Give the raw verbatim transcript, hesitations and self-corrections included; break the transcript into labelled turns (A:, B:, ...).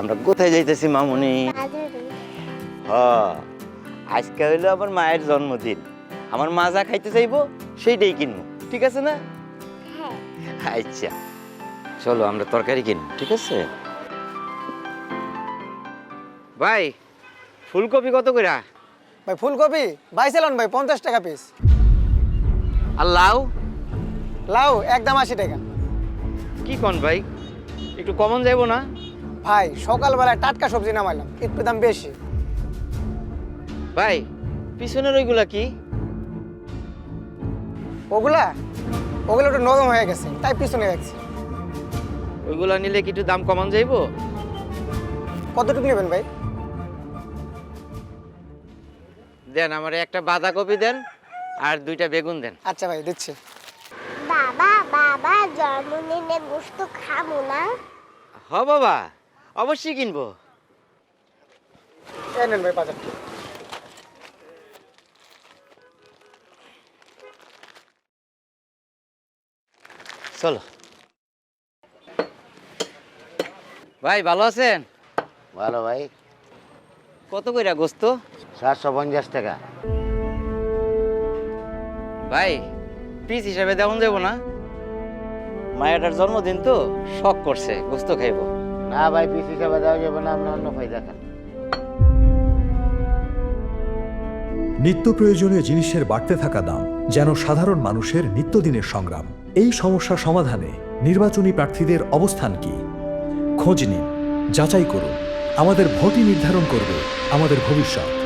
A: আমরা কোথায় যাইতেছি মামুনি? হ, আজকে হইলো আমার মায়ের জন্মদিন। আমার মা যা খাইতে চাইবো সেইটাই কিনবো, ঠিক আছে না? আচ্ছা চলো আমরা তরকারি কিনবো, ঠিক আছে? ভাই ফুলকপি কত করে?
B: ভাই ফুলকপি বাইছিলেন ভাই পঞ্চাশ টাকা পিস।
A: আর লাউ?
B: লাউ একদম আশি টাকা।
A: কি কন ভাই, একটু কমন যাইবো না?
B: ভাই সকালবেলায় টাটকা সবজি নামাইলাম, একটু দাম বেশি।
A: ভাই পিছনের ওইগুলা কি?
B: ওগুলা ওগুলো একটু নরম হয়ে গেছে তাই পিছনে রাখছি।
A: ওইগুলা নিলে কি একটু দাম কমান যাইবো?
B: কতটুকু নেবেন ভাই?
A: দেন আমার একটা বাঁধাকপি দেন আর দুইটা বেগুন দেন।
B: আচ্ছা ভাই দিচ্ছি।
C: বাবা বাবা জন্মদিনে গোশত খাবো না?
A: হ বাবা, অবশ্যই কিনবো।
B: এই নেন ভাই বাজার।
A: চলো ভাই, ভালো আছেন?
D: ভালো ভাই।
A: কত কইরা গোস্ত?
D: সাতশো পঞ্চাশ টাকা।
A: ভাই পিস হিসাবে দেওয়া যাবো না? মায়ের জন্মদিন তো শখ করছে গোস্ত খাইবো।
D: না ভাই, পিস হিসাবে দেওয়া যাবে না, আপনি অন্য ফায়দা খান।
E: নিত্য প্রয়োজনীয় জিনিসের বাড়তে থাকা দাম যেন সাধারণ মানুষের নিত্যদিনের সংগ্রাম। এই সমস্যা সমাধানে নির্বাচনী প্রার্থীদের অবস্থান কি? খোঁজ নিন, যাচাই করুন। আমাদের ভোটই নির্ধারণ করবে আমাদের ভবিষ্যৎ।